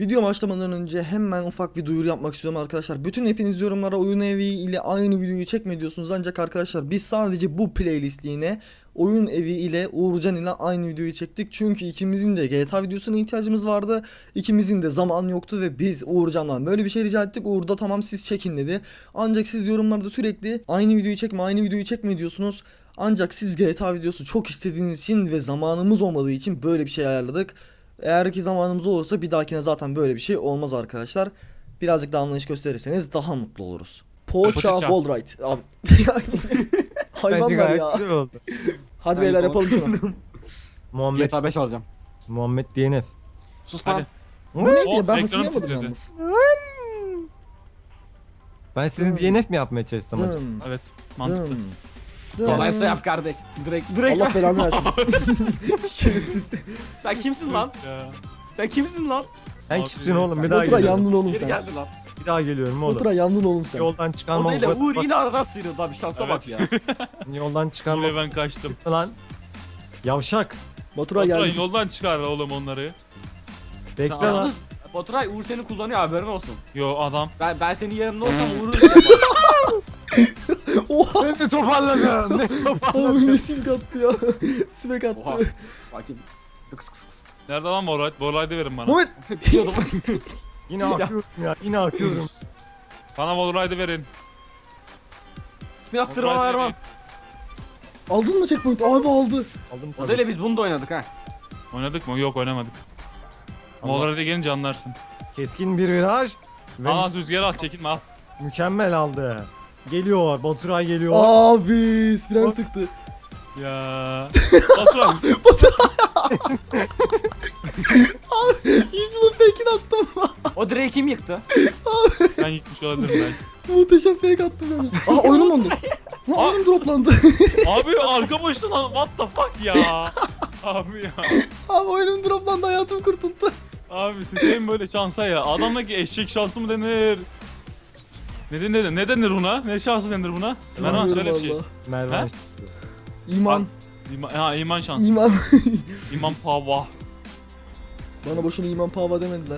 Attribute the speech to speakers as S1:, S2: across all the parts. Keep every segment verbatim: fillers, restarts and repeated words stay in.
S1: Video başlamadan önce hemen ufak bir duyuru yapmak istiyorum arkadaşlar. Bütün hepiniz yorumlara oyun evi ile aynı videoyu çekme diyorsunuz. Ancak arkadaşlar biz sadece bu playlistliğine oyun evi ile Uğurcan ile aynı videoyu çektik. Çünkü ikimizin de G T A videosuna ihtiyacımız vardı. İkimizin de zaman yoktu ve biz Uğurcan'dan böyle bir şey rica ettik. Uğur da tamam siz çekin dedi. Ancak siz yorumlarda sürekli aynı videoyu çekme aynı videoyu çekme diyorsunuz. Ancak siz G T A videosu çok istediğiniz için ve zamanımız olmadığı için böyle bir şey ayarladık. Eğer ki zamanımız olursa bir dahakine zaten böyle bir şey olmaz arkadaşlar. Birazcık daha anlayış gösterirseniz daha mutlu oluruz. Poğaça
S2: Poğaça.
S1: Wallride. Abi. Hayvanlar
S3: gayet
S1: ya.
S3: güzel oldu.
S1: Hadi beyler yapalım şunu.
S3: Muhammed
S2: G T A beş alacağım.
S3: Muhammed D N F.
S2: Sus
S4: Hadi.
S2: lan.
S1: Bu neydi
S2: Oh,
S1: ya ben
S4: ekranım
S1: hatırlayamadım
S4: titredi.
S1: yalnız.
S3: Ben sizi D N F mi yapmaya çalışsam acaba?
S1: Dım,
S4: Evet, mantıklı.
S1: dım, dım.
S2: Kolaysa yap kardeş. Direkt direkt.
S1: Allah belanı versin. Şerefsiz.
S2: Sen kimsin lan?
S4: Ya.
S2: Sen kimsin lan?
S3: Sen
S4: Abi,
S3: kimsin oğlum? Bir daha
S1: Batura
S3: geliyorum.
S1: yandın oğlum
S2: Geri
S1: sen.
S2: geldi lan.
S3: Bir daha geliyorum oğlum.
S1: Batura yandın oğlum sen.
S3: Yoldan
S2: O
S3: çıkarmam.
S2: değil de
S3: bak-
S2: Uğur
S3: bak-
S2: yine aradan sıyrıldı abi şansa bak ya.
S3: Yoldan çıkarmam.
S4: Yine ben kaçtım.
S3: Lan. Yavşak.
S1: Batura
S4: Baturay
S1: geldi.
S4: yoldan çıkar oğlum onları.
S3: Bekle
S4: Sen
S3: lan.
S2: Yalnız Baturay Uğur seni kullanıyor haberin olsun.
S4: Yo adam.
S2: Ben ben senin yerinde olsam Uğur'u
S1: Oha.
S3: Ben de toparladım. Ne
S1: Abi
S3: toparladım?
S1: ne sim kattı ya. Simek attı.
S2: Oha. Bakayım. Kıs kıs kıs.
S4: Nerede lan Borayt? Borayt'ı verin bana.
S1: Muhammed.
S2: Diyordum.
S3: Yine akıyorum ya. Yine akıyorum.
S4: Bana Borayt'ı verin.
S2: İsmini attırma
S4: Borayt'ı
S2: Erman.
S4: verin.
S1: Aldın mı checkpoint? Abi aldı.
S3: Aldım
S2: O
S3: tabii.
S2: değil biz bunu da oynadık ha.
S4: Oynadık mı? Yok oynamadık.
S3: Allah.
S4: Borayt'a gelince anlarsın.
S3: Keskin bir viraj. Ve
S4: Al al rüzgar al çekinme al.
S3: mükemmel aldı. Geliyor. Baturay geliyor.
S1: Abi fren sıktı.
S4: Ya. Baturay.
S1: Yüzünü fake'ini attım.
S2: O direği kim yıktı?
S4: Ben yıkmış olabilirim belki.
S1: Muhteşem fake attım yalnız. Aa oyunum dondu. Lan
S4: Aa.
S1: oyunum droplandı.
S4: Abi arka boşta lan. What the fuck ya. Abi ya.
S1: Abi oyunum droplandı hayatım kurtuldu.
S4: Abi sıçayım böyle şansa ya. Adamdaki eşek şansı mı denir? Ne denir? Ne denir buna? Ne şansı denir buna? Mervan
S1: Bilmiyorum
S4: söyle bir şey.
S1: valla.
S3: Mervan.
S4: He?
S1: İman.
S4: İman, ha, iman şansı.
S1: İman.
S4: İman pava.
S1: Bana boşuna iman pava demediler.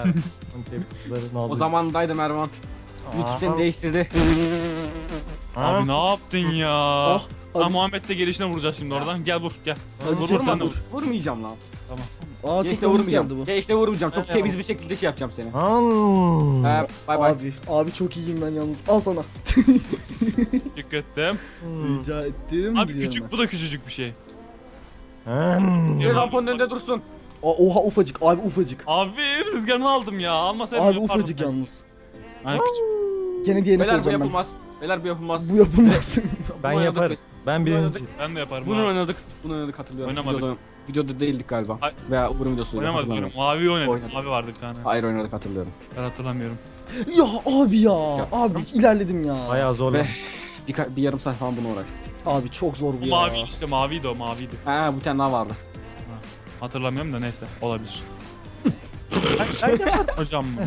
S2: O zamandaydım Erman. YouTube seni değiştirdi.
S4: Abi ne yaptın ya?
S1: Ah.
S4: Ha
S1: Abi.
S4: Muhammed de gelişine vuracağız şimdi oradan. Gel vur gel.
S1: Hadi
S4: vur,
S1: çek
S4: vur, sen de
S1: vur.
S4: vur.
S2: Vurmayacağım lan.
S4: Tamam.
S1: Aa çok
S2: Gençle
S1: komik
S2: vurmayacağım.
S1: geldi bu.
S2: Gençle vurmayacağım. Çok
S4: Ben
S2: temiz
S4: de
S2: bir şekilde şey yapacağım seni.
S3: Hmm.
S2: Ee, bay bay.
S1: Abi, abi çok iyiyim ben yalnız. Al sana.
S4: Teşekkür ettim.
S3: Hmm.
S1: Rica ettim.
S4: Abi
S1: gidiyorum
S4: küçük bu da küçücük bir şey.
S3: Hmm.
S2: Bir ramponun önünde dursun.
S1: ben. Aa, oha ufacık. Abi ufacık.
S4: Abi rüzgarını aldım ya. Almasaydım
S1: Abi
S4: yapardım
S1: ufacık
S4: ben.
S1: yalnız.
S4: Ha, küçük.
S1: Gene D N F
S2: Beyler bu
S1: olacağım ben.
S2: yapılmaz. Beyler bu yapılmaz.
S1: Bu yapılmaz.
S3: Ben
S2: Bunu
S3: yaparım.
S2: oynadık
S3: Ben
S2: Bunu
S3: birinci.
S4: Ben de yaparım
S2: Bunu
S4: abi.
S2: oynadık. Bunu oynadık hatırlıyorum.
S4: Oynamadık.
S2: Videoda, videoda değildik galiba.
S4: Ay-
S2: Veya Uğur'un videosu.
S4: Oynamadık
S2: hatırlamıyorum.
S4: oynadık. Mavi oynadık.
S2: Oynadık.
S4: Mavi vardı bir tane.
S2: Hayır oynadık hatırlıyorum.
S4: Ben hatırlamıyorum.
S1: Ya abi ya.
S2: Ya.
S1: Abi ilerledim ya.
S3: Bayağı zor.
S2: Ve
S3: lan.
S2: bir, ka- bir yarım saat falan bunu uğraş.
S1: Abi çok zor bu
S4: Bu
S1: ya.
S4: mavi işte maviydi o maviydi.
S2: Ha bir tane daha vardı.
S4: Hatırlamıyorum da neyse olabilir. Hocam mı?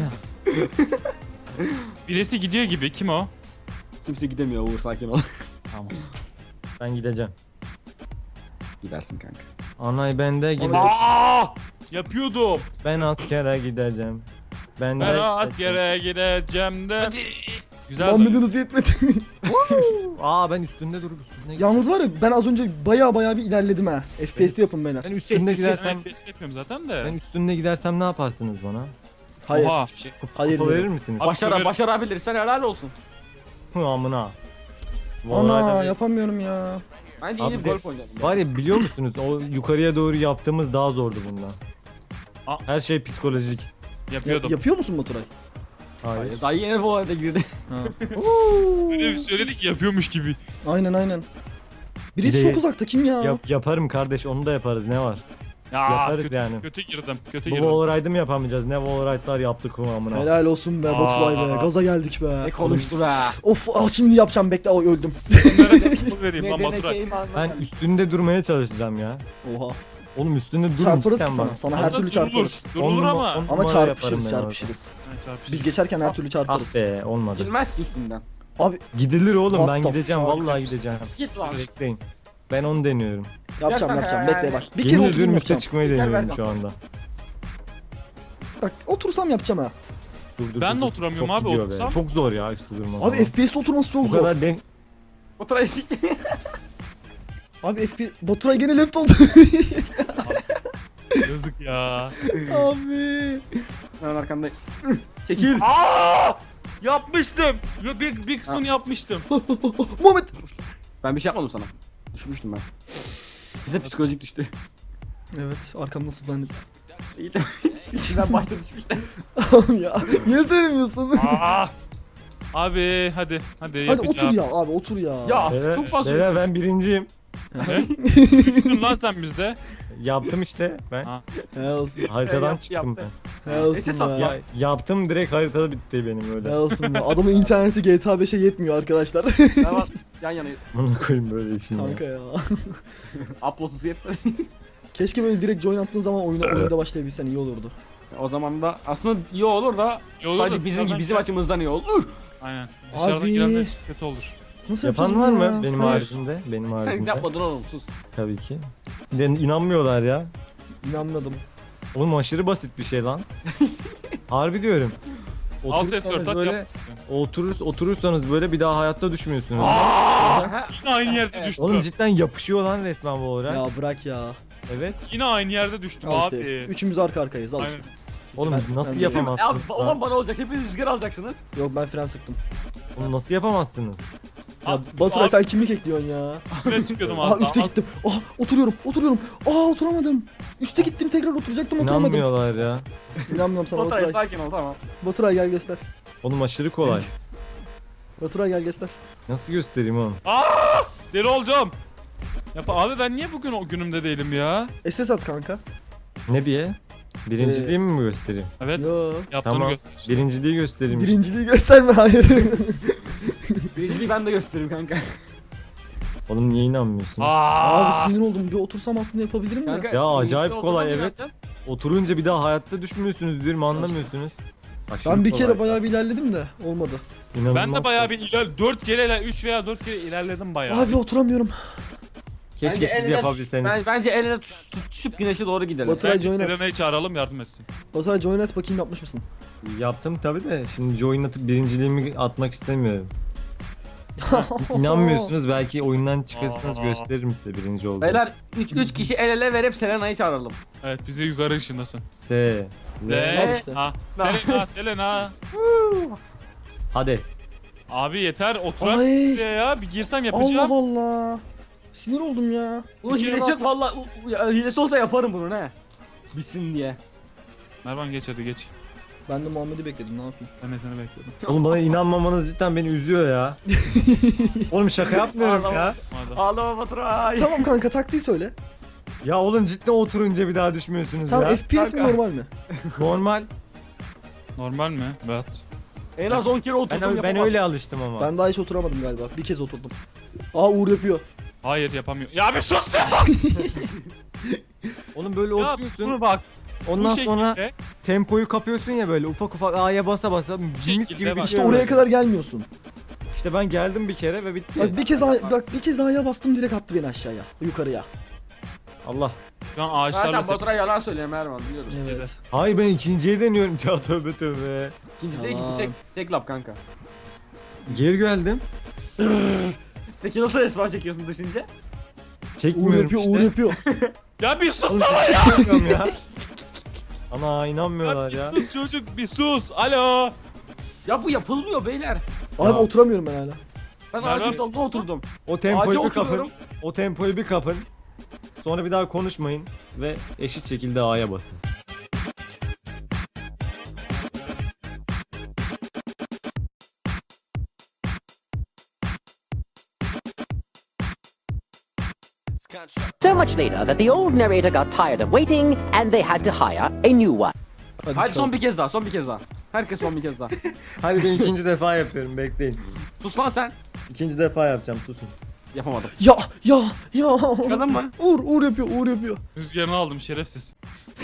S4: Birisi gidiyor gibi. Kim o?
S2: Kimse gidemiyor Uğur sakin ol.
S4: Tamam.
S3: Ben gideceğim.
S2: Gidersin kanka.
S3: Anay bende gideceğim.
S4: Aa! Yapıyordum.
S3: Ben askere gideceğim. Ben, de
S4: Ben askere gideceğim de. Güzel.
S1: Muhammed'in hızı yetmedi.
S3: Aa ben üstünde durup üstünde
S1: Yalnız var ya ben az önce baya baya bir ilerledim ha. F P S'te yapın beyler.
S3: Ben üstünde
S2: Sessiz,
S3: gidersem
S4: Ben beş yapıyorum zaten de.
S3: ben üstünde gidersem ne yaparsınız bana?
S1: Hayır.
S4: Oha.
S1: Hayır
S3: Kupa verir
S1: dedim.
S3: misiniz?
S4: Abi,
S2: Başara,
S4: böyle-
S2: başarabilirsen helal olsun.
S3: Hı amına.
S1: Ana
S3: Vallahi de-
S1: yapamıyorum ya.
S2: Bence
S3: Abi
S2: yeni bir
S3: de-
S2: golf oynayalım.
S3: Var ya biliyor musunuz o yukarıya doğru yaptığımız daha zordu bundan.
S4: Aa.
S3: Her şey psikolojik.
S1: Ya-
S4: Yapıyordum.
S1: yapıyor musun Baturay?
S3: Hayır.
S2: Hayır. Daha yeni bu arada girdi.
S1: Ha.
S4: Bir de söyledik yapıyormuş gibi.
S1: Aynen aynen. Birisi
S3: Bir de-
S1: çok uzakta kim ya?
S3: Yap, yaparım kardeş onu da yaparız ne var?
S4: Ya
S3: Yaparız
S4: kötü,
S3: yani.
S4: kötü girdim. Kötü
S3: Bu
S4: girdim.
S3: wallride'ı mı yapamayacağız? Ne wallride'lar yaptık o amına.
S1: Helal olsun be Baturay be.
S4: Aa.
S1: Gaza geldik be.
S2: Ne konuştu be.
S1: Of ah, şimdi yapacağım bekle. Ay, öldüm.
S4: Bunlara vereyim
S2: Ne
S4: lan
S2: denek
S4: Baturay.
S2: eyvallah.
S3: Ben üstünde durmaya çalışacağım ya.
S1: Oha.
S3: Oğlum üstünde durun
S1: Çarparız ki
S3: cidden
S1: sana.
S3: bak.
S1: Sana her
S4: Aslında
S1: türlü
S4: durulur.
S1: çarparız.
S3: On
S4: Durulur
S3: numara-
S4: ama.
S3: on
S1: Ama
S3: numara
S1: çarpışırız
S3: yaparım ben
S1: çarpışırız.
S4: Ha, çarpışırız.
S1: Biz geçerken her türlü
S3: orada.
S1: çarparız.
S3: Ah be olmadı.
S2: Gidilmez ki üstünden.
S1: Abi
S3: Gidilir oğlum
S1: What
S3: ben
S1: the
S3: gideceğim
S1: fuck?
S3: vallahi gideceğim.
S2: Git lan.
S3: Bekleyin. Ben onu deniyorum.
S1: yapacağım
S2: Yapsana
S1: yapacağım
S2: ya,
S1: bekle
S2: yani.
S1: bak. Bir kere
S3: Yemin
S1: oturayım
S3: ediyorum üste
S1: yapacağım.
S3: çıkmayı
S2: Gel
S3: deniyorum
S2: ver
S3: şu anda.
S1: Bak otursam yapacağım ha.
S3: Dur, dur,
S4: Ben
S3: dur,
S4: de
S3: dur.
S4: oturamıyorum
S3: Çok
S4: abi,
S3: gidiyor be.
S4: otursam.
S3: Çok zor ya üstte durmak.
S1: Abi F P S'te oturması çok
S3: Bu
S1: zor.
S3: kadar den...
S2: Oturay.
S1: Abi F P S... Baturay gene left oldu.
S4: Yazık ya.
S1: Abi.
S2: Hemen arkandayım. Çekil.
S4: Aa! Yapmıştım. Yo, Bir, bir kısmını yapmıştım.
S1: Muhammed.
S2: Ben bir şey yapmadım sana. Düşmüştüm ben. Bize psikolojik düştü.
S1: Evet arkamda sızlandı.
S2: İyi de ben başta düşmüştüm.
S1: Ya niye söylemiyorsun?
S4: Aa! Abi hadi hadi
S1: Hadi otur
S4: yapacağım.
S1: ya abi otur ya.
S2: Ya
S3: Beyler,
S2: çok fazla.
S3: beyler ben birinciyim.
S4: Ne? Düştün lan sen bizde.
S3: Yaptım işte ben.
S4: Ha.
S1: He olsun.
S3: Haritadan
S2: Yap-
S3: çıktım
S2: yaptı.
S1: He olsun
S2: Neyse,
S1: be.
S2: sat
S3: ben. Ya, yaptım direkt haritada bitti benim öyle.
S1: He olsun be. Adamın interneti G T A beşe yetmiyor arkadaşlar.
S2: Tamam. Yan yanayız.
S3: Bunu koyayım böyle işin ya.
S1: Kanka ya.
S2: Upload hızı yetmedi.
S1: Keşke böyle direkt join attığın zaman oyuna oyunda başlayabilsen iyi olurdu.
S2: O zaman da aslında iyi olur da
S4: İyi olur
S2: sadece
S4: da
S2: bizim
S4: dışarıdan
S2: bizim
S4: gel-
S2: açımızdan iyi olur.
S4: Aynen. Dışarıda
S1: Abi.
S4: girenler için kötü olur.
S1: Nasıl yapacağız
S3: Yapan var
S1: bunu
S3: mı
S1: ya?
S3: benim
S1: Hayır.
S3: haricimde? Benim
S2: Sen
S3: haricimde.
S2: yapmadın oğlum sus.
S3: Tabii ki. Ben inanmıyorlar ya.
S1: İnanmadım.
S3: Oğlum aşırı basit bir şey lan. Harbi diyorum.
S4: Alt F
S3: Oturursanız
S4: dört at
S3: böyle,
S4: yap.
S3: oturur, oturursanız böyle bir daha hayatta düşmüyorsunuz.
S4: Yine aynı yerde
S2: Evet.
S4: düştüm.
S3: Oğlum cidden yapışıyor lan resmen bu olarak.
S1: Ya bırak ya.
S3: Evet.
S4: Yine aynı yerde düştüm
S1: Al
S4: abi.
S1: işte. Üçümüz arka arkayız al
S4: Aynen.
S1: işte.
S3: Oğlum
S1: Ben-
S3: nasıl
S1: ben-
S2: Ya
S3: yapamazsınız?
S2: olan
S3: lan?
S2: bana olacak. Hepiniz rüzgar alacaksınız.
S1: Yok ben fren sıktım.
S3: Oğlum nasıl yapamazsınız?
S1: Ya
S4: Abi,
S1: Baturay
S4: abi,
S1: sen kimlik ekliyorsun ya?
S4: üstüne çıkıyordum
S1: Aha
S4: az
S1: üste
S4: daha.
S1: gittim. Ah oturuyorum oturuyorum. Aa oturamadım. Üste gittim tekrar oturacaktım oturamadım.
S3: İnanmıyorlar ya.
S1: İnanmıyorum sana
S2: Oturay
S1: Baturay.
S2: sakin ol tamam.
S1: Baturay gel göster.
S3: Oğlum aşırı kolay.
S1: Baturay gel göster.
S3: Nasıl göstereyim oğlum?
S4: Deli olacağım. Yap abi ben niye bugün o günümde değilim ya?
S1: S S at kanka.
S3: Ne diye? Birinciliğimi mi göstereyim?
S4: Evet.
S1: Yo.
S4: Yaptığını
S3: Tamam.
S4: göster.
S3: Birinciliği göstereyim.
S1: Birinciliği gösterme hayır.
S2: Birinciliği ben de göstereyim kanka.
S3: Oğlum niye inanmıyorsun?
S4: Aa!
S1: Abi sinir oldum. Bir otursam aslında yapabilirim
S2: Kanka,
S1: de.
S3: Ya acayip
S2: birlikte
S3: kolay,
S2: oturalım,
S3: evet.
S2: yapacağız.
S3: Oturunca bir daha hayatta düşmüyorsunuz diyorum anlamıyorsunuz. Aşırı
S1: Ben bir
S3: kolay.
S1: kere bayağı bir ilerledim de olmadı.
S3: İnanılmaz
S4: Ben de bayağı
S3: kolay.
S4: bir iler dört kere iler üç veya dört kere ilerledim bayağı.
S1: Abi oturamıyorum.
S3: Keşke
S2: Bence
S3: siz
S2: el ele
S3: yapabilseniz.
S2: tuş- Ben, bence el ele tuş- tutuşup güneşe doğru gidelim.
S1: Baturay
S4: Bence
S1: join at.
S4: Serena'yı çağıralım yardım etsin.
S1: Baturay join at bakayım yapmış mısın?
S3: Yaptım tabi de şimdi join atıp birinciliğimi atmak istemiyorum. İnanmıyorsunuz belki oyundan çıkarsanız
S4: Aa.
S3: gösteririm size birinci olduğumu.
S2: Beyler üç üç kişi el ele verip Selena'yı çağıralım.
S4: Evet bize yukarı ışınlasın.
S3: S.
S4: Ve
S1: Al işte.
S4: ha Selena Selena.
S3: Hades.
S4: Abi yeter oturak
S1: Ay.
S4: buraya ya bir girsem yapacağım.
S1: Allah Allah. Sinir oldum ya.
S2: Bunun
S4: Bir kere
S2: hilesi yok
S4: daha-
S2: valla. u- ya, Hilesi olsa yaparım bunu ne? Bitsin diye.
S4: Mervan geç hadi geç.
S1: Ben de Muhammed'i bekledim ne yapayım.
S4: Ben de seni bekliyordum.
S3: Oğlum bana inanmamanız cidden beni üzüyor ya. Oğlum şaka yapmıyorum
S2: Ağlama.
S3: ya.
S4: Hadi.
S2: Ağlama Baturay.
S1: Tamam kanka taktiği söyle.
S3: Ya oğlum cidden oturunca bir daha düşmüyorsunuz
S1: Tamam
S3: ya.
S1: F P S mi
S2: Kanka.
S1: normal mi?
S3: Normal.
S4: Normal mi? Evet.
S2: En az on kere
S3: Ben,
S2: oturdum
S3: ben
S2: yapamam.
S3: öyle alıştım ama.
S1: Ben daha hiç oturamadım galiba. Bir kez oturdum. Aa Uğur yapıyor.
S4: Hayır yapamıyor. Ya bir sus ya.
S3: Oğlum böyle
S4: Ya
S3: oturuyorsun.
S4: bunu bak.
S3: Ondan
S4: bu
S3: sonra
S4: şekilde-
S3: tempoyu kapıyorsun ya böyle ufak ufak A'ya basa basa mis
S4: şekilde
S3: gibi bir
S4: bak.
S1: İşte
S3: şey
S1: oraya
S3: böyle.
S1: kadar gelmiyorsun.
S3: İşte ben geldim bir kere ve bitti.
S1: Bak bir kez A- bak bir kez A'ya bastım direkt attı beni aşağıya. Yukarıya.
S3: Allah.
S4: Şu an ağaçlarla
S2: Zaten
S4: sep-
S2: Baturay yalan söylüyor Mervan biliyoruz.
S1: Evet.
S3: Hayır ben ikinciye deniyorum ya tövbe tövbe.
S2: İkinci değil ki bu
S1: Yalan.
S2: tek, tek lap kanka.
S3: Geri geldim.
S2: Peki nasıl esma çekiyorsun düşünce?
S1: Uğur
S3: Çekmiyorum
S1: yapıyor,
S3: işte.
S1: Uğur yapıyor.
S4: Ya bir sus
S3: Oğlum,
S4: sana ya.
S3: çekmiyorum ya. Ana
S4: Ya
S3: inanmıyorlar
S4: bir
S3: ya.
S4: sus çocuk bir sus. Alo.
S2: Ya bu yapılmıyor beyler.
S1: Abi
S3: Ya.
S1: oturamıyorum ben hala.
S2: Ben
S4: Mervan,
S2: ağacın dalına oturdum.
S3: O
S2: Ağaca
S3: tempoyu bir kapın.
S2: oturuyorum.
S3: O tempoyu bir kapın. Sonra bir daha konuşmayın ve eşit şekilde A'ya basın.
S5: So much later that the old narrator got tired of waiting and they had to hire a new one.
S1: Hadi,
S2: Hadi
S1: çıkalım.
S2: son bir kez daha, son bir kez daha. Herkes son bir kez daha.
S3: Hadi ben ikinci defa yapıyorum bekleyin.
S2: Sus lan sen.
S3: İkinci defa yapacağım susun.
S2: Yapamadım.
S1: Ya ya ya.
S2: Çıkardın mı?
S1: Uğur Uğur yapıyor, Uğur yapıyor.
S4: Rüzgarını aldım şerefsiz.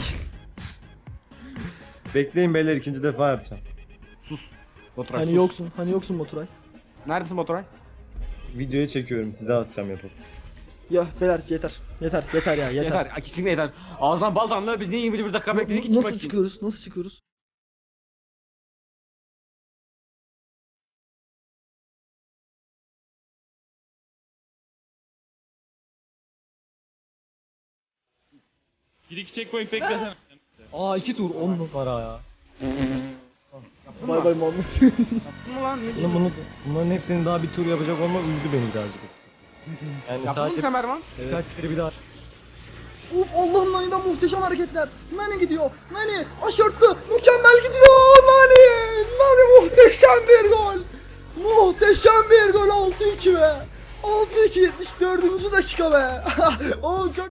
S3: Bekleyin beyler ikinci defa yapacağım.
S2: Baturay
S1: Hani
S2: sus.
S1: yoksun, hani yoksun Baturay.
S2: Neredesin Baturay?
S3: Videoyu çekiyorum size atacağım yapıp.
S1: Ya beyler yeter. Yeter yeter ya yeter.
S2: Yeter. Kesinlikle yeter. Ağzından bal damlıyor. Biz niye yirmi bir dakika bekledik ki
S1: Nasıl
S2: çıkmak için?
S1: çıkıyoruz? Nasıl çıkıyoruz?
S4: Bir iki checkpoint beklesene.
S3: Aa iki tur on numara ya.
S1: Bay bay Muhammed.
S2: Yaptın mı lan? Ne
S3: Bunu,
S2: diyorsun?
S3: bunu, bunların hepsini daha bir tur yapacak olmak üzdü beni birazcık. Yani
S2: Yaptın mı
S3: sadece
S2: sen Mervan?
S3: birkaç kere bir daha.
S1: Uf Allah'ım Nani'den muhteşem hareketler. Nani gidiyor. Nani aşırttı. Mükemmel gidiyor. Nani. Nani muhteşem bir gol. Muhteşem bir gol. altı iki be. altı iki yetmiş dördüncü dakika be. O çok